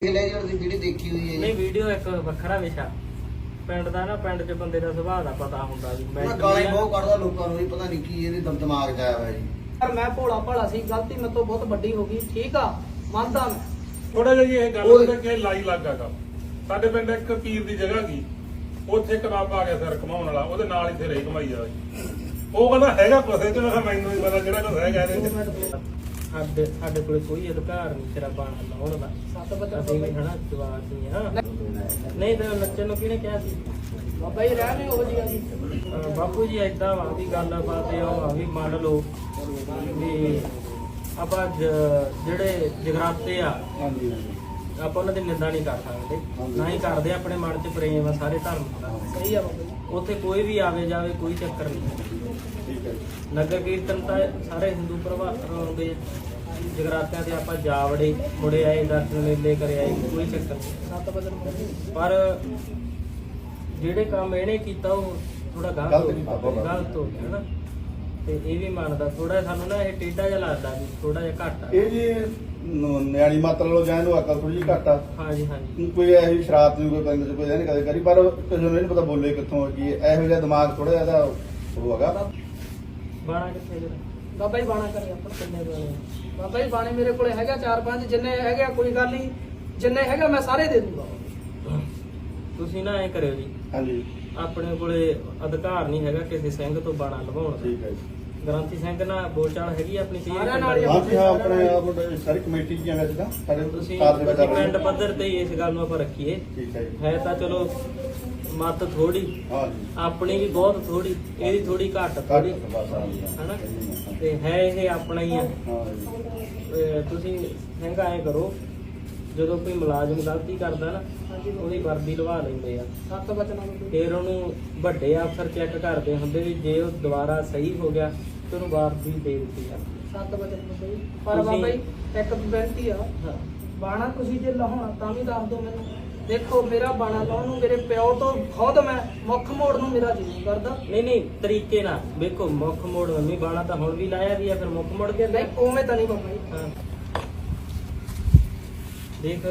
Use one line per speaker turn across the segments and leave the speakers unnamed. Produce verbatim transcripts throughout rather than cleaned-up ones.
Video ਦੇਖੀ ਹੋਈ ਹੈ
ਨਹੀਂ ਵੀਡੀਓ ਇੱਕ ਵੱਖਰਾ ਵਿਸ਼ਾ ਪਿੰਡ ਦਾ ਨਾ ਪਿੰਡ 'ਚ ਬੰਦੇ ਦਾ ਸੁਭਾਅ ਦਾ ਪਤਾ ਹੁੰਦਾ ਵੀ
ਮੈਂ ਗਾਲਾਂ ਬਹੁਤ ਕੱਢਦਾ ਲੋਕਾਂ ਨੂੰ, ਪਤਾ ਨਹੀਂ ਕੀ ਇਹਦੇ ਦਮ ਦਿਮਾਗ 'ਚ ਆਇਆ ਹੋਇਆ ਜੀ।
ਪਰ ਮੈਂ ਭੋਲਾ ਭਾਲਾ ਸੀ, ਗਲਤੀ ਮੇਰੇ ਤੋਂ ਬਹੁਤ ਵੱਡੀ ਹੋ ਗਈ। ਠੀਕ ਆ, ਮੰਨਦਾ ਮੈਂ।
ਥੋੜਾ ਜਿਹਾ ਜੀ ਇਹ ਗੱਲ ਤਾਂ ਕਿ ਲਾਈ ਲੱਗਾ ਕੰਮ ਸਾਡੇ ਪਿੰਡ ਇੱਕ ਪੀਰ ਦੀ ਜਗ੍ਹਾ ਗਈ, ਉੱਥੇ ਕਨਾਬ ਆ ਗਿਆ ਸਿਰ ਘਮਾਉਣ ਵਾਲਾ, ਉਹਦੇ ਨਾਲ ਇੱਥੇ ਰਹੀ ਘਮਾਈ ਆ। ਉਹ ਕਹਿੰਦਾ ਹੈਗਾ ਕੁਛ, ਤੇ ਮੈਂ ਕਿਹਾ ਮੈਨੂੰ ਨਹੀਂ ਪਤਾ ਜਿਹੜਾ ਕੁਛ ਹੈਗਾ ਇਹਦੇ ਵਿੱਚ।
ਸਾਡੇ ਸਾਡੇ ਕੋਲ ਕੋਈ ਅਧਿਕਾਰ ਨਹੀਂ ਤੇਰਾ ਬਾਣਾ ਲਾਉਣ ਦਾ।
ਸੱਤ ਵਜੇ
ਅਸੀਂ ਵੀ ਹਨਾ ਜਵਾਬ ਸੀ ਹਾਂ। ਨਹੀਂ ਤਾਂ ਨੱਚਣ ਨੂੰ ਕਿਹਨੇ ਕਿਹਾ ਸੀ?
ਬਾਬਾ ਜੀ ਰਹਿ ਨਹੀਂ ਉਹ ਜੀ ਆ ਜੀ।
ਅਹ ਬਾਪੂ ਜੀ ਏਦਾਂ ਵਾ ਵੀ ਗੱਲਬਾਤ ਇਹ ਆ ਵੀ ਮੰਨ ਲਓ ਵੀ ਆਪਾਂ ਜ- ਜਿਹੜੇ ਜਗਰਾਤੇ ਆ ਆਪਾਂ ਉਹਨਾਂ ਦੀ ਨਿੰਦਾ ਨਹੀਂ ਕਰ ਸਕਦੇ, ਨਾ ਹੀ ਕਰਦੇ। ਆਪਣੇ ਮਨ 'ਚ ਪ੍ਰੇਮ ਆ ਸਾਰੇ ਧਰਮ ਦਾ।
ਸਹੀ ਆ ਬਾਬਾ ਜੀ।
ਉੱਥੇ ਕੋਈ ਵੀ ਆਵੇ ਜਾਵੇ ਕੋਈ ਚੱਕਰ ਨਹੀਂ। ਨਗਰ ਕੀਰਤਨ ਤਾਂ ਸਾਰੇ ਹਿੰਦੂ ਪ੍ਰਭਾਵ ਆਉਂਦੇ ਆ, ਜਗਰਾਤਿਆਂ ਤੇ ਆਪਾਂ ਜਾ ਵੜੇ, ਮੁੜੇ ਆਏ, ਦਰਸ਼ਨ ਮੇਲੇ ਕਰੇ ਆਏ, ਕੋਈ ਚੱਕਰ ਨਹੀਂ।
ਸੱਤ ਵਜੇ
ਪਰ ਜਿਹੜੇ ਕੰਮ ਇਹਨੇ ਕੀਤਾ ਉਹ ਥੋੜਾ ਗਲਤ ਗਲਤ ਹੋ ਗਿਆ ਨਾ। ਤੇ ਇਹ ਵੀ ਮੰਨਦਾ ਥੋੜਾ, ਸਾਨੂੰ ਨਾ ਇਹ ਟੇਢਾ ਜਿਹਾ ਲੱਗਦਾ ਵੀ ਥੋੜਾ ਜਿਹਾ ਘੱਟ ਆ।
ਇਹ ਜੀ ਨ- ਨਿਆਣੀ ਮਾਤਰ ਲੋ ਜਾਣ ਨੂੰ ਅਕਲ ਥੋੜੀ ਜਿਹੀ ਘੱਟ ਆ।
ਹਾਂਜੀ ਹਾਂਜੀ
ਕੋਈ ਇਹੋ ਜਿਹੀ ਸ਼ਰਾਰਤ ਨਹੀਂ ਕੋਈ ਪਿੰਡ ਚ ਕੋਈ ਇਹਨੇ ਕਦੇ ਕਰੀ, ਪਰ ਕਿਸੇ ਨੂੰ ਨਹੀਂ ਪਤਾ ਬੋਲੇ ਕਿੱਥੋਂ ਕੀ ਇਹੋ ਜਿਹਾ ਦਿਮਾਗ ਥੋੜਾ ਜਿਹਾ ਇਹਦਾ ਉਹ ਹੈਗਾ।
ਬਾਣਾ ਕਿੱਥੇ ਜਰਾ
ਬਾਬਾ ਜੀ ਬਾਣਾ ਕਰੇ ਆਪਣਾ।
ਕਿੰਨੇ ਬਾਣੇ?
ਬਾਬਾ ਜੀ ਬਾਣੇ ਮੇਰੇ ਕੋਲੇ ਹੈਗਾ ਚਾਰ ਪੰਜ, ਜਿੰਨੇ ਹੈਗੇ ਆ ਕੋਈ ਗੱਲ ਨਹੀਂ, ਜਿੰਨੇ ਹੈਗਾ ਮੈਂ ਸਾਰੇ ਦੇ ਦੂੰਗਾ।
ਤੁਸੀਂ ਨਾ ਐ ਕਰਿਓ ਜੀ,
ਹਾਂਜੀ
ਆਪਣੇ ਕੋਲੇ ਅਧਿਕਾਰ ਨਹੀਂ ਹੈਗਾ ਕਿਸੇ ਸਿੰਘ ਤੋਂ ਬਾਣਾ ਲਵਾਉਣ ਦਾ।
ਠੀਕ ਹੈ ਜੀ।
ਗ੍ਰੰਥੀ ਸਿੰਘ ਨਾਲ ਬੋਲਚਾਲ ਹੈਗੀ ਆ ਆਪਣੀ ਕਲੀਅਰ
ਸਾਰਿਆਂ ਨਾਲ ਹੀ।
ਹਾਂ ਜੀ ਹਾਂ, ਆਪਣੇ ਆਪ ਸਾਰੀ ਕਮੇਟੀ ਦੀਆਂ ਵੈਸੇ ਤਾਂ ਸਾਡੇ
ਤੁਸੀਂ
ਕਾਰ ਦੇ
ਤੁਸੀਂ
ਵਿੱਚ
ਪਿੰਡ ਪੱਧਰ ਤੇ ਹੀ ਇਸ ਗੱਲ ਨੂੰ ਆਪਾਂ ਰੱਖੀਏ।
ਠੀਕ ਹੈ ਜੀ।
ਹੈ ਤਾਂ ਚਲੋ ਮਤ ਥੋੜੀ,
ਹਾਂ ਜੀ
ਆਪਣੀ ਵੀ ਬਹੁਤ ਥੋੜੀ, ਇਹਦੀ ਥੋੜੀ ਘੱਟ
ਘੱਟ
ਥੋੜੀ
ਬਸ ਆ ਜੀ।
ਹਨਾ। ਤੇ ਹੈ ਇਹ ਆਪਣਾ ਹੀ ਆ।
ਹਾਂ ਜੀ
ਤੇ ਤੁਸੀਂ ਸਿੰਘ ਐਂ ਕਰੋ, ਜਦੋਂ ਕੋਈ ਮੁਲਾਜ਼ਮ ਗਲਤੀ ਕਰਦਾ ਨਾ ਉਹਦੀ ਵਰਦੀ ਲਵਾ ਲੈਂਦੇ ਆ,
ਸੱਤ ਵਜੇ ਨਾਲ
ਫਿਰ ਉਹਨੂੰ ਵੱਡੇ ਅਫਸਰ ਚੈੱਕ ਕਰਦੇ ਹੁੰਦੇ ਵੀ ਜੇ ਉਹ ਦੁਬਾਰਾ ਸਹੀ ਹੋ ਗਿਆ ਤੇ ਉਹਨੂੰ ਵਰਦੀ ਦੇ ਦਿੱਤੀ ਆ।
ਸੱਤ ਵਜੇ ਬਾਬਾ ਜੀ। ਪਰ ਬਾਬਾ ਜੀ ਇੱਕ ਬੇਨਤੀ ਆ,
ਹਾਂ
ਬਾਣਾ ਤੁਸੀਂ ਜੇ ਲਾਉਣਾ ਤਾਂ ਵੀ ਦੱਸ ਦਿਓ ਮੈਨੂੰ। ਦੇਖੋ ਮੇਰਾ ਬਾਣਾ ਲਾਉਣ ਨੂੰ ਮੇਰੇ ਪਿਓ ਤੋਂ ਖੁਦ ਮੈਂ ਮੁੱਖ ਮੋੜ ਨੂੰ ਮੇਰਾ ਜੀ ਨਹੀਂ ਕਰਦਾ।
ਨਹੀਂ ਨਹੀਂ ਤਰੀਕੇ ਨਾਲ ਵੇਖੋ, ਮੁੱਖ ਮੋੜ ਮੰਮੀ ਬਾਣਾ ਤਾਂ ਹੁਣ ਵੀ ਲਾਇਆ ਵੀ ਆ, ਫਿਰ ਮੁੱਖ ਮੋੜ ਕੇ
ਨਹੀਂ ਉਵੇਂ ਤਾਂ ਨਹੀਂ ਬਾਬਾ ਜੀ।
ਹਾਂ। ਦੇਖ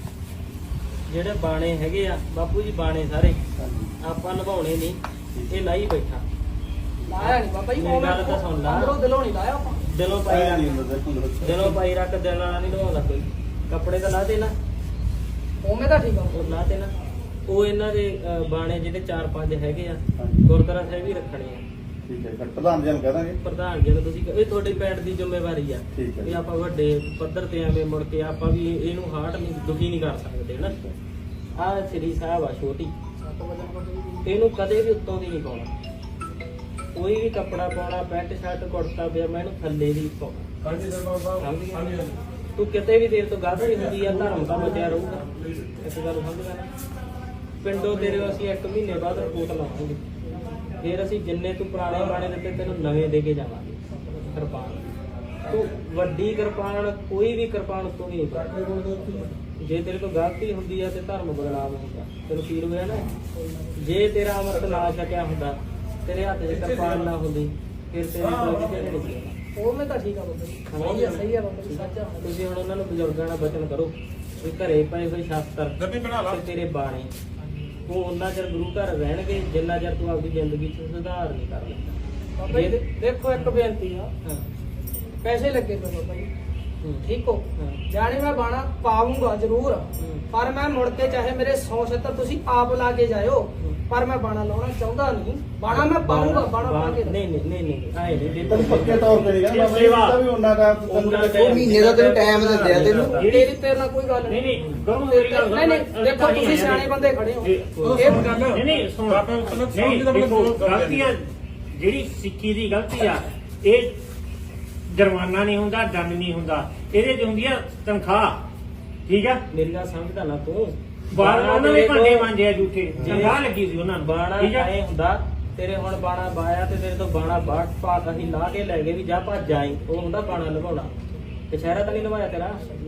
ਜਿਹੜੇ ਬਾਣੇ ਹੈਗੇ ਆ ਬਾਪੂ ਜੀ, ਬਾਣੇ ਸਾਰੇ ਆਪਾਂ ਨਿਭਾਉਣੇ ਨਹੀਂ, ਇਹ ਲਾਈ ਬੈਠਾ।
ਲਾਇਆ ਨਹੀਂ ਬਾਬਾ ਜੀ,
ਮੇਰੀ ਗੱਲ ਤਾਂ ਸੁਣ ਲਾ।
ਅੰਦਰੋਂ ਦਿਲੋਂ ਨਹੀਂ ਲਾਇਆ ਆਪਾਂ।
ਦਿਲੋਂ ਪਾਈ
ਨਹੀਂ
ਰੱਖ,
ਹੁੰਦਾ ਦੇਖੋ
ਦਿਲੋਂ ਪਾਈ ਰੱਖ, ਦਿਲ ਨਾਲ ਨਹੀਂ ਨਿਭਾਉਂਦਾ ਕੋਈ। ਕੱਪੜੇ ਤਾਂ ਲਾ ਦੇ ਨਾ,
ਉਵੇਂ ਤਾਂ ਠੀਕ ਆ।
ਉਹ ਲਾ ਦੇ ਨਾ। ਉਹ ਇਹਨਾਂ ਦੇ ਅਹ, ਬਾਣੇ ਜਿਹੜੇ ਚਾਰ ਪੰਜ ਹੈਗੇ ਆ,
ਹਾਂਜੀ।
ਗੁਰਦੁਆਰਾ ਸਾਹਿਬ ਹੀ ਰੱਖਣੇ ਆ।
ਠੀਕ ਹੈ, ਪ੍ਰਧਾਨ ਜੀ ਨੂੰ ਕਹਿ ਦਾਂਗੇ।
ਪ੍ਰਧਾਨ ਜੀ ਨੂੰ ਤੁਸੀਂ ਇਹ ਤੁਹਾਡੇ ਪਿੰਡ ਦੀ ਜ਼ਿੰਮੇਵਾਰੀ ਆ
ਠੀਕ ਹੈ।
ਵੀ ਆਪਾਂ ਵੱਡੇ ਪੱਧਰ ਤੇ ਐਵੇਂ ਮੁੜ ਕੇ ਆਪਾਂ ਵੀ ਇਹਨੂੰ ਹਾਰਟ ਨਹੀਂ ਦੁਖੀ ਨਹੀਂ ਕਰ ਸਕਦੇ ਨਾ। ਆਹ ਸ੍ਰੀ ਸਾਹਿਬ ਆ ਛੋਟੀ,
ਸੱਤ ਵਜੇ ਬਾਬਾ ਜੀ।
ਇਹਨੂੰ ਕਦੇ ਵੀ ਉੱਤੋਂ ਦੀ ਨਹੀਂ ਪਾਉਣਾ। ਕੋਈ ਵੀ ਕੱਪੜਾ ਪਾਉਣਾ, ਪੈਂਟ ਸ਼ਰਟ ਕੁੜਤਾ ਪਜਾਮਾ, ਇਹਨੂੰ ਥੱਲੇ ਦੀ ਪਾਉਣਾ।
ਹਾਂਜੀ ਸਰਦਾਰ ਸਾਹਿਬ। ਹਾਂਜੀ ਹਾਂਜੀ।
ਤੂੰ ਕਿਤੇ ਵੀ ਦੇਰ ਤੋਂ ਗਲਤੀ ਹੁੰਦੀ ਆ, ਧਰਮ ਤਾਂ ਬਚਿਆ ਰਹੂਗਾ। ਇਸ ਗੱਲ ਸਮਝਦਾ ਨਾ। ਪਿੰਡੋਂ ਤੇਰੇ ਅਸੀਂ ਇੱਕ ਮਹੀਨੇ ਬਾਅਦ ਰਿਪੋਰਟ ਲਾਵਾਂਗੇ, ਫਿਰ ਅਸੀਂ ਜਿੰਨੇ ਤੂੰ ਪੁਰਾਣੇ ਬਾਣੇ ਦਿੱਤੇ ਤੈਨੂੰ ਨਵੇਂ ਦੇ ਕੇ ਜਾਵਾਂਗੇ। ਕਿਰਪਾਨ ਤੂੰ ਵੱਡੀ ਕਿਰਪਾਨ, ਕੋਈ ਵੀ ਕਿਰਪਾਨ ਉੱਤੋਂ ਨਹੀਂ ਪਾਉਣੀ। ਜੇ ਤੇਰੇ ਤੋਂ ਗਲਤੀ ਹੁੰਦੀ ਆ ਤੇ ਧਰਮ ਬਦਲਾਵ ਹੁੰਦਾ, ਤੈਨੂੰ ਫੀਲ ਹੋਇਆ ਨਾ। ਜੇ ਤੇਰਾ ਅਮਰਤ ਨਾ ਛਕਿਆ ਹੁੰਦਾ, ਤੇਰੇ ਹੱਥ 'ਚ ਕਿਰਪਾਨ ਨਾ ਹੁੰਦੀ, ਫਿਰ ਤੇਰੇ ਕੋਲ ਕਿਸੇ ਨੇ ਨਹੀਂ ਸੀ।
ਉਵੇਂ ਤਾਂ ਠੀਕ ਆ ਬਾਬਾ ਜੀ। ਸਹੀ ਆ, ਸਹੀ ਆ ਬਾਬਾ ਜੀ, ਸੱਚ ਆ।
ਤੁਸੀਂ ਹੁਣ ਉਹਨਾਂ ਨੂੰ ਬਜ਼ੁਰਗਾਂ ਨਾਲ ਬਚਨ ਕਰੋ ਵੀ ਘਰੇ ਪਏ ਹੋਏ ਸ਼ਾਸਤਰ
ਗੱਡੀ ਬਣਾ ਲਾ।
ਤੇ ਤੇਰੇ ਬਾਣੇ ਉਹ ਉਹਨਾਂ ਚਿਰ ਗੁਰੂ ਘਰ ਰਹਿਣਗੇ ਜਿੰਨਾ ਚਿਰ ਤੂੰ ਆਪਦੀ ਜ਼ਿੰਦਗੀ 'ਚ ਸੁਧਾਰ ਨਹੀਂ ਕਰ ਲੈਂਦਾ।
ਬਾਬਾ ਜੀ ਦੇਖੋ ਇੱਕ ਬੇਨਤੀ ਆ,
ਹਾਂ
ਪੈਸੇ ਲੱਗੇ ਪਏ ਬਾਬਾ ਜੀ,
ਹੂੰ।
ਠੀਕ ਹੋ।
ਹਾਂ।
ਜਾਣੀ ਮੈਂ ਬਾਣਾ ਪਾਉਂਗਾ ਜ਼ਰੂਰ,
ਹੂੰ।
ਪਰ ਮੈਂ ਮੁੜ ਕੇ ਚਾਹੇ ਮੇਰੇ ਸੌ ਛੱਤਰ ਤੁਸੀਂ ਆਪ ਲਾ ਕੇ ਜਾਇਓ,
ਹੂੰ।
ਪਰ ਮੈਂ ਬਾਣਾ ਲਾਉਣਾ ਚਾਹੁੰਦਾ ਨਹੀਂ। ਬਾਣਾ ਮੈਂ ਪਾਉਂਗਾ, ਬਾਣਾ ਪਾ ਕੇ
ਨਹੀਂ ਨਹੀਂ ਨਹੀਂ ਨਹੀਂ ਆਏ ਨਹੀਂ
ਤੈਨੂੰ ਪੱਕੇ ਤੌਰ ਤੇ ਨਹੀਂ ਕਹਿੰਦਾ ਬਾਬਾ ਜੀ, ਵੀ ਉਹਨਾਂ ਦਾ
ਉਹਨਾਂ ਦਾ
ਉਹ ਮਹੀਨੇ ਦਾ ਤੈਨੂੰ ਟਾਈਮ ਦਿੰਦੇ ਆ ਤੈਨੂੰ।
ਤੇਰੀ ਤੇਰੇ ਨਾਲ ਕੋਈ ਗੱਲ
ਨਹੀਂ
ਨਹੀਂ।
ਨਹੀਂ ਗਰਮ ਮੇਰੀ ਗੱਲ
ਨਹੀਂ ਨਹੀਂ ਦੇਖੋ ਤੁਸੀਂ ਸਿਆਣੇ ਬੰਦੇ ਖੜੇ ਹੋ। ਇਹ
ਨਹੀਂ ਨਹੀਂ ਸੁਣ
ਬਾਬਾ ਮਤਲਬ
ਨਹੀਂ
ਸਮਝ ਦਾ
ਦੇਖੋ,
ਮਤਲਬ
ਗਲਤੀਆਂ ਜਿਹੜੀ ਸਿੱਖੀ ਦੀ ਗਲਤੀ ਆ, ਇਹ ਜੁਰਮਾਨਾ ਨਹੀਂ ਹੁੰਦਾ, ਦੰਡ ਨਹੀਂ ਹੁੰਦਾ, ਇਹਦੇ ਚ ਹੁੰਦੀ ਆ ਤਨਖਾਹ। ਠੀਕ ਆ,
ਮੇਰੀ ਗੱਲ ਸਮਝਦਾ ਨਾ ਤੂੰ।
ਬਾਹਰ ਉਹਨਾਂ ਨੇ
ਤੇਰੇ
ਭਾਂਡੇ
ਤੋਂ-
ਮਾਂਜੇ ਆ ਝੂਠੇ, ਤਨਖਾਹ ਲੱਗੀ ਸੀ ਉਹਨਾਂ ਨੂੰ।
ਬਾਣਾ
ਠੀਕ ਆ,
ਐ ਹੁੰਦਾ, ਤੇਰੇ ਹੁਣ ਬਾਣਾ ਬਾਇਆ ਤੇ ਤੇਰੇ ਤੋਂ ਬਾਣਾ ਬਾਟ ਪਾ ਅਸੀਂ ਲਾ ਕੇ ਲੈ ਗਏ ਵੀ ਜਾ ਭੱਜ ਜਾਈ, ਉਹ ਹੁੰਦਾ ਬਾਣਾ ਨਿਭਾਉਣਾ। ਕਚਹਿਰਾ ਤਾਂ ਨਹੀਂ ਨਿਭਾਇਆ ਤੇਰਾ,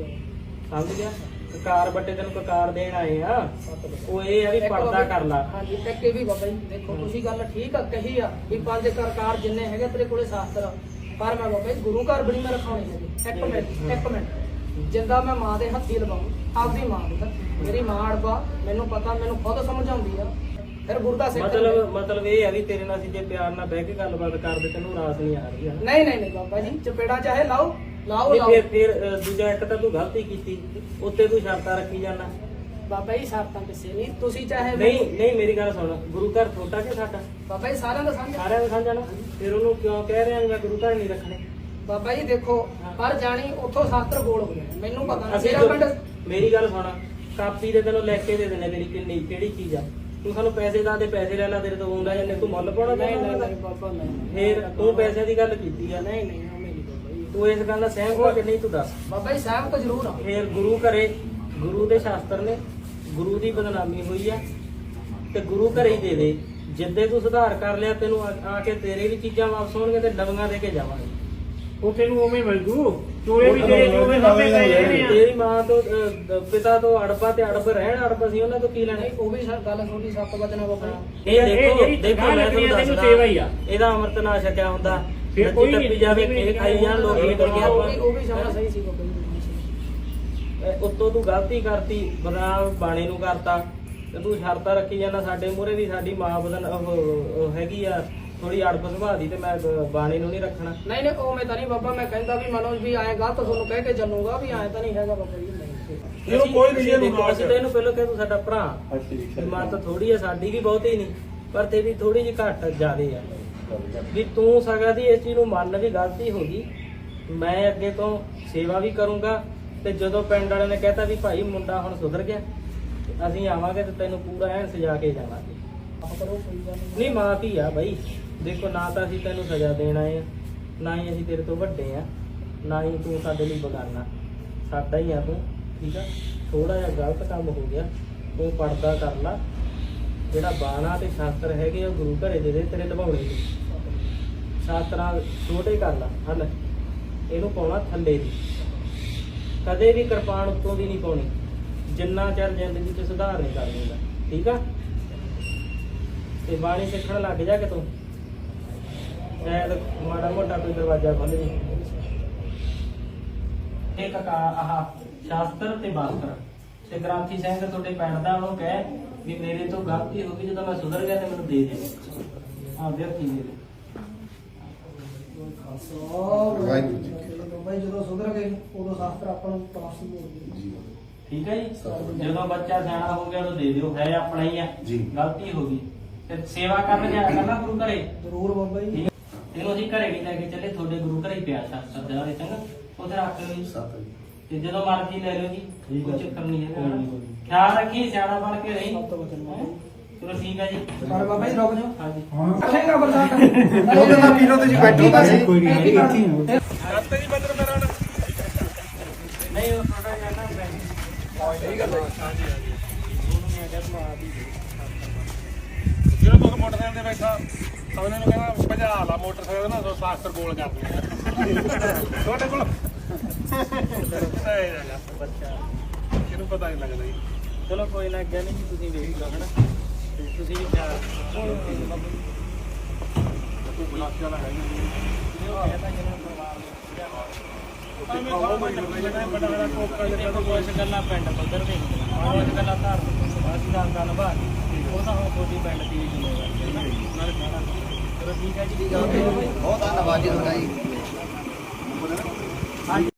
ਸਮਝ ਗਿਆ। ਕਕਾਰ ਬੱਟੇ ਤੈਨੂੰ ਕਕਾਰ ਦੇਣ ਆਏ ਆ, ਉਹ ਇਹ ਆ ਵੀ ਪਰਦਾ ਕਰ ਲਾ।
ਹਾਂਜੀ ਇੱਕ ਇਹ ਵੀ ਬਾਬਾ ਜੀ ਦੇਖੋ ਤੁਸੀਂ ਗੱਲ ਠੀਕ ਆ ਕਹੀ ਆ ਵੀ ਪੰਜ ਕਰਕਾਰ ਜਿੰਨੇ ਹੈਗੇ ਤੇਰੇ ਕੋਲੇ ਸ਼ਾਸਤਰ, ਪਰ ਮੈਂ ਬਾਬਾ ਜੀ ਗੁਰੂ ਘਰ ਬਣੀ ਮੈਂ ਰਖਾਉਣੀ ਹੈਗੀ। ਇੱਕ ਮਿੰਟ ਇੱਕ ਮਿੰਟ, ਜਿੰਦਾ ਮੈਂ ਮਾਂ ਦੇ ਹੱਥੀ ਲਵਾਉਂ ਆਪਦੀ ਮਾਂ ਪੁੱਤ ਮੇਰੀ ਮਾਂ ਅੜਬਾ ਮੈਨੂੰ ਪਤਾ ਮੈਨੂੰ ਖੁਦ ਸਮਝਾਉਂਦੀ ਆ ਫਿਰ ਗੁਰੂ ਦਾ ਸਿੱਖ
ਮਤਲਬ ਮਤਲਬ ਇਹ ਆ ਵੀ ਤੇਰੇ ਨਾਲ ਅਸੀਂ ਜੇ ਪਿਆਰ ਨਾਲ ਬਹਿ ਕੇ ਗੱਲਬਾਤ ਕਰਦੇ ਤੈਨੂੰ ਰਾਸ ਨਹੀਂ ਆ ਰਹੀ ਹੈ
ਨਹੀਂ ਨਹੀਂ ਨਹੀਂ ਬਾਬਾ ਜੀ ਚਪੇੜਾ ਚਾਹੇ ਲਾਓ ਲਾਓ
ਨਹੀਂ
ਲਾਓ
ਫਿਰ ਫਿਰ ਅ, ਦੂਜਾ ਇੱਕ ਤਾਂ ਤੂੰ ਗਲਤੀ ਕੀਤੀ ਉੱਤੇ ਤੂੰ ਸ਼ਰਤਾਂ ਰੱਖੀ ਜਾਣਾ
ਬਾਬਾ ਜੀ ਸ਼ਰਤਾਂ ਕਿਸੇ ਨਹੀਂ ਤੁਸੀਂ ਚਾਹੇ
ਨਹੀਂ ਨਹੀਂ ਮੇਰੀ ਗੱਲ ਸੁਣ ਗੁਰੂ ਘਰ ਛੋਟਾ ਕਿ ਸਾਡਾ
ਬਾਬਾ ਜੀ ਸਾਰਿਆਂ ਦਾ ਸਮਝ
ਸਾਰਿਆਂ ਦਾ ਸਮਝਣਾ ਫਿਰ ਉਹਨੂੰ ਕਿਉਂ ਕਹਿ ਰਿਹਾ ਮੈਂ ਗੁਰੂ ਘਰ ਨਹੀਂ ਰੱਖਣੇ
ਬਾਬਾ ਜੀ ਦੇਖੋ ਪਰ ਜਾਣੀ ਉੱਥੋਂ ਸ਼ਾਸਤਰ ਬੋਲ ਹੋ ਗਏ ਮੈਨੂੰ ਪਤਾ ਨਹੀਂ
ਅਸੀਂ
ਮੇਰਾ
ਜੋ-
ਪਿੰਡ
ਮੇਰੀ ਗੱਲ ਸੁਣ ਕਾਪੀ ਦੇ ਤੈਨੂੰ ਲਿਖ ਕੇ ਦੇ ਦੇਣੇ ਤੇਰੀ ਕਿੰਨੀ ਕਿਹੜੀ ਚੀਜ਼ ਆ ਤੂੰ ਸਾਨੂੰ ਪੈਸੇ ਦਾ ਦੇ ਪੈਸੇ ਲੈ ਲੈ ਤੇਰੇ ਤੋਂ ਆਉਂਦਾ ਜਾਂਦੇ ਤੂੰ ਮੁੱਲ ਪਾਉਣਾ
ਨਹੀਂ
ਚਾਹੁੰਦਾ
ਨਹੀਂ ਨਹੀਂ ਬਾਬਾ ਨਹੀਂ
ਫਿਰ ਤੂੰ ਪੈਸੇ ਦੀ ਗੱਲ ਕੀਤੀ ਆ
ਨਹੀਂ ਨਹੀਂ ਉਹ ਮੇਰੀ ਬਾਬਾ ਜੀ
ਤੂੰ ਇਸ ਗੱਲ ਦਾ ਸਹਿਮਤ ਹੋ ਕਿ ਨਹੀਂ ਤੂੰ ਦੱਸ
ਬਾਬਾ ਜੀ ਸਾਹਿਬ ਤਾਂ ਜ਼ਰੂਰ ਆ
ਫਿਰ ਗੁਰੂ ਘਰੇ ਗੁਰੂ ਦੇ ਸ਼ਾਸਤਰ ਨੇ ਗੁਰੂ ਦੀ ਬਦਨਾਮੀ ਹੋਈ ਆ ਤੇ ਗੁਰੂ ਘਰੇ ਹੀ ਦੇ ਦੇ ਜਿੱਦੇ ਤੂੰ ਸੁਧਾਰ ਕਰ ਲਿਆ ਤੈਨੂੰ ਆ ਆ ਕੇ ਤੇਰੇ ਵੀ ਚੀਜ਼ਾਂ ਵਾਪਸ ਹੋਣਗੇ ਤੇ ਨਵੀਆਂ ਦੇ ਕੇ ਜਾਵਾਂਗੇ
ਉਹ ਤੈਨੂੰ ਉਵੇਂ ਮਿਲ ਜੂ ਚੋਲੇ ਵੀ ਤੇਰੇ ਚੋਲੇ ਸਾਹਮਣੇ ਪਏ ਰਹਿਣੇ ਆ
ਤੇਰੀ ਮਾਂ ਤੋਂ ਅ, ਦ- ਪਿਤਾ ਤੋਂ ਅੜਪਾ ਤੇ ਅੜਪ ਰਹਿਣ ਅੜਪ ਸੀ ਉਹਨਾਂ ਤੋਂ ਕੀ ਲੈਣਾ
ਨਹੀਂ ਉਹ ਵੀ ਸਾ- ਗੱਲ ਥੋੜੀ ਸੱਤ ਵਜਣਾ ਬਾਬਾ ਜੀ
ਇਹ
ਇਹ
ਦੇਖੋ
ਜਿਹੜੀ
ਦੇਖੋ
ਗੱਲ
ਮੈਂ
ਲੱਗਣੀ ਆ,
ਤੁਹਾਨੂੰ
ਤੈਨੂੰ
ਦੱਸਦਾ
ਸੇਵਾ ਹੀ ਆ।
ਇਹਦਾ ਅੰਮ੍ਰਿਤ ਨਾ ਛਕਿਆ ਹੁੰਦਾ
ਫਿਰ
ਨੱਚੀ
ਕੋਈ
ਟੱਪੀ
ਨਹੀਂ,
ਜਾਵੇ
ਕੋਈ
ਇਹ ਖਾਈ ਜਾਣ ਲੋਕ ਨਿਕਲ ਗਿਆ
ਉਹ ਵੀ ਉਹ ਵੀ ਸਮਝ ਸਹੀ ਸੀ ਬਾਬਾ ਜੀ
ਉੱਤੋਂ ਤੂੰ ਗਲਤੀ ਕਰਤੀ ਬਦਨਾਮ ਬਾਣੇ ਨੂੰ ਕਰਤਾ ਤੇ ਤੂੰ ਸ਼ਰਤਾਂ ਰੱਖੀ ਜਾਂਦਾ ਸਾਡੇ ਮੂਹਰੇ ਵੀ ਸਾਡੀ ਮਾਂ ਬਦਨ ਉਹ ਉਹ ਹੈਗੀ ਆ ਥੋੜੀ ਅੜਪ ਸੁਭਾਅ ਦੀ ਤੇ ਮੈਂ ਬ- ਬਾਣੇ ਨੂੰ ਨਹੀਂ ਰੱਖਣਾ
ਨਹੀਂ ਨਹੀਂ ਉਹ ਮੈਂ ਤਾਂ ਨਹੀਂ ਬਾਬਾ ਮੈਂ ਕਹਿੰਦਾ ਵੀ ਮਨੋਜ ਵੀ ਆਏ ਗਲਤ ਤੁਹਾਨੂੰ ਕਹਿ ਕੇ ਚੱਲੂਗਾ ਵੀ ਆਏ ਤਾਂ ਨਹੀਂ ਹੈਗਾ ਬਾਬਾ ਜੀ ਨਹੀਂ
ਇਹਨੂੰ ਕੋਈ ਨਹੀਂ ਇਹਨੂੰ
ਦੇਖੋ, ਅਸੀਂ ਤਾਂ ਇਹਨੂੰ ਪਹਿਲਾਂ ਕਿਹਾ ਤੂੰ ਸਾਡਾ ਭਰਾ
ਠੀਕ
ਵੀ ਮਾਂ ਤਾਂ ਥੋੜੀ ਆ ਸਾਡੀ ਵੀ ਬਹੁਤੀ ਨਹੀਂ ਪਰ ਤੇਰੀ ਥੋੜੀ ਜਿਹੀ ਘੱਟ ਜ਼ਿਆਦੇ ਆ ਵੀ ਤੂੰ ਸਗਾ ਦੀ ਇਸ ਚੀਜ਼ ਨੂੰ ਮੰਨ ਵੀ ਗਲਤੀ ਹੋ ਗਈ ਮੈਂ ਅੱਗੇ ਤੋਂ ਸੇਵਾ ਵੀ ਕਰੂੰਗਾ ਤੇ ਜਦੋਂ ਪਿੰਡ ਵਾਲਿਆਂ ਨੇ ਕਹਿਤਾ ਵੀ ਭਾਈ ਮੁੰਡਾ ਹੁਣ ਸੁਧਰ ਗਿਆ ਤੇ ਅਸੀਂ ਆਵਾਂਗੇ ਤੇ ਤੈਨੂੰ ਪੂਰਾ ਐਨ ਸਜਾ ਕੇ ਜਾਵਾਂਗੇ
ਆਪ ਕਰੋ ਕੋਈ ਗੱਲ ਨਹੀਂ
ਨਹੀਂ ਮਾਂ ਧੀ ਆ ਬਾਈ ਦੇਖੋ ਨਾ ਤਾਂ ਅਸੀਂ ਤੈਨੂੰ ਸਜ਼ਾ ਦੇਣ ਆਏ ਆ ਨਾ ਹੀ ਅਸੀਂ ਤੇਰੇ ਤੋਂ ਵੱਡੇ ਆ ਨਾ ਹੀ ਤੂੰ ਸਾਡੇ ਲਈ ਬਗਾਨਾ ਸਾਡਾ ਹੀ ਆ ਤੂੰ ਠੀਕ ਆ ਥੋੜਾ ਜਿਹਾ ਗਲਤ ਕੰਮ ਹੋ ਗਿਆ ਤੂੰ ਪਰਦਾ ਕਰ ਲਾ ਜਿਹੜਾ ਬਾਣਾ ਤੇ ਸ਼ਾਸਤਰ ਹੈਗੇ ਆ ਉਹ ਗੁਰੂ ਘਰੇ ਦੇ ਦੇ ਤੇਰੇ ਨਿਭਾਉਣੇ ਨੇ ਸ਼ਾਸਤਰਾਂ ਛੋਟੇ ਕਰ ਲਾ ਹਲ ਇਹਨੂੰ ਪਾਉਣਾ ਥੱਲੇ ਦੀ ਕਦੇ ਵੀ ਕਿਰਪਾਨ ਉੱਤੋਂ ਦੀ ਨਹੀਂ ਪਾਉਣੀ ਜਿੰਨਾ ਚਿਰ ਜ਼ਿੰਦਗੀ 'ਚ ਸੁਧਾਰ ਨਹੀਂ ਕਰ ਲੈਂਦਾ ਠੀਕ ਆ ਤੇ ਬਾਣੀ ਸਿੱਖਣ ਲੱਗ ਜਾ ਕਿ ਤੂੰ ਸ਼ਾਇਦ ਮਾੜਾ ਮੋਟਾ ਕੋਈ ਦਰਵਾਜ਼ਾ ਖੁੱਲ ਜੇ ਇੱਕ ਕਾ ਆਹ ਸ਼ਾਸਤਰ ਤੇ ਬਾਸਤਰ ਤੇ ਗ੍ਰੰਥੀ ਸਿੰਘ ਤੁਹਾਡੇ ਪਿੰਡ ਦਾ ਉਹਨੂੰ ਕਹਿ ਵੀ ਮੇਰੇ ਤੋਂ ਗਲਤੀ ਹੋ ਗਈ ਜਦੋਂ ਮੈਂ ਸੁਧਰ ਗਿਆ ਤੇ ਮੈਨੂੰ ਦੇ ਦੇ ਹਾਂ ਵਿਅਕਤੀ ਦੇ ਦੇ
ਵਾਹਿਗੁਰੂ ਜੀ ਬਾਬਾ ਜੀ ਜਦੋਂ ਸੁਧਰ ਗਏ ਉਦੋਂ ਸ਼ਾਸਤਰ ਆਪਾਂ ਨੂੰ ਪਾਸ ਹੀ ਹੋ ਗਈ
ਠੀਕ ਹੈ ਜੀ ਜਦੋਂ ਬੱਚਾ ਸਿਆਣਾ ਹੋ ਗਿਆ ਉਹਨੂੰ ਦੇ ਦਿਓ ਹੈ ਆਪਣਾ ਹੀ ਆ
ਜੀ।
ਗਲਤੀ ਹੋ ਗਈ ਤੇ ਸੇਵਾ ਕਰਨ ਜਾ ਕਰਨਾ ਗੁਰੂ ਘਰੇ
ਜ਼ਰੂਰ ਬਾਬਾ ਜੀ
ਠੀਕ ਹੈ। ਇਹਨੂੰ ਅਸੀਂ ਘਰੇ ਨਹੀਂ ਲੈ ਕੇ ਚੱਲੇ ਤੁਹਾਡੇ ਗੁਰੂ ਘਰੇ ਹੀ ਪਿਆ ਸ਼ਾਸਤਰ ਦੇ ਵਾਲੇ ਚੰਗਾ ਉੱਥੇ ਰੱਖ ਲਓ ਜੀ
ਸੱਤ ਜੀ
ਤੇ ਜਦੋਂ ਮਰਜ਼ੀ ਲੈ ਲਓ ਜੀ
ਠੀਕ
ਕੋਈ
ਹੈ।
ਚੱਕਰ ਨਹੀਂ
ਕੋਈ ਨਹੀਂ, ਕੋਈ
ਹੈ
ਨਹੀਂ।
ਖਿਆਲ ਰੱਖੀ ਸਿਆਣਾ ਬਣ ਕੇ ਰਹੀ
ਸਭ ਤੋਂ ਬਚਨ
ਹੈਂ? ਚਲੋ ਠੀਕ ਹੈ ਜੀ
ਪਰ ਬਾਬਾ ਜੀ ਰੁਕ ਜਾਓ
ਹਾਂਜੀ
ਰੱਖੇਗਾ ਬਰਦਾਸ਼ਤ
ਉਹਦੇ ਨਾਲ ਪੀਰੋ ਤੁਸੀਂ ਬੈਠੋ ਤਾਂ ਸਹੀ।
ਕੋਈ ਨਹੀਂ ਇੱਥੇ ਹੀ ਹੋ
ਕਰਤੇ ਜੀ ਬੰਦਰ ਮੇਰਾ ਨਾ
ਨਹੀਂ ਉਹ ਥੋੜਾ ਜਿਹਾ ਨਾ ਬੈਠ
ਸਹੀ ਗੱਲ ਹੈ ਹਾਂਜੀ ਹਾਂਜੀ
ਉਹਨੂੰ ਮੈਂ ਕਿਹਾ ਤੂੰ ਆ ਵੀ
ਜਿਹੜਾ ਤੁਸੀਂ ਮੋਟਰਸਾਈਕਲ ਤੇ ਬੈਠਾ ਉਹਨਾਂ ਨੂੰ ਕਹਿੰਦਾ ਭਜਾ ਲਾ ਮੋਟਰਸਾਈਕਲ ਨਾ ਸੋ ਸ਼ਾਸਤਰ ਗੋਲ ਕਰ ਦਿੰਦੇ ਤੁਹਾਡੇ ਕੋਲ ਇਹ ਹੈਗਾ
ਬੱਚਾ
ਇਹਨੂੰ ਪਤਾ ਨਹੀਂ ਲੱਗਦਾ ਜੀ
ਚਲੋ ਕੋਈ ਨਾ ਅੱਗੇ ਨਹੀਂ ਤੁਸੀਂ ਵੇਖ ਲਓ ਹਨਾ ਤੇ ਤੁਸੀਂ ਵੀ ਖਿਆਲ ਰੱਖੋ
ਤੂੰ ਬਣਾ ਕੇ ਲਾ
ਕੁਛ ਗੱਲਾਂ ਪਿੰਡ ਪੱਧਰ ਤੇ ਕੁਛ ਗੱਲਾਂ ਧਾਰਮਿਕ ਸਮਾਜੀ ਦਾ ਗੱਲ ਬਾਤ ਉਹ ਤਾਂ ਹੁਣ ਤੁਹਾਡੀ ਪਿੰਡ ਦੀ ਵੀ ਜ਼ਿੰਮੇਵਾਰੀ ਹੈ ਨਾਲੇ ਖਾਣਾ ਚਲੋ ਠੀਕ ਹੈ ਜੀ
ਬਹੁਤ ਧੰਨਵਾਦ ਜੀ ਤੁਹਾਡਾ ਜੀ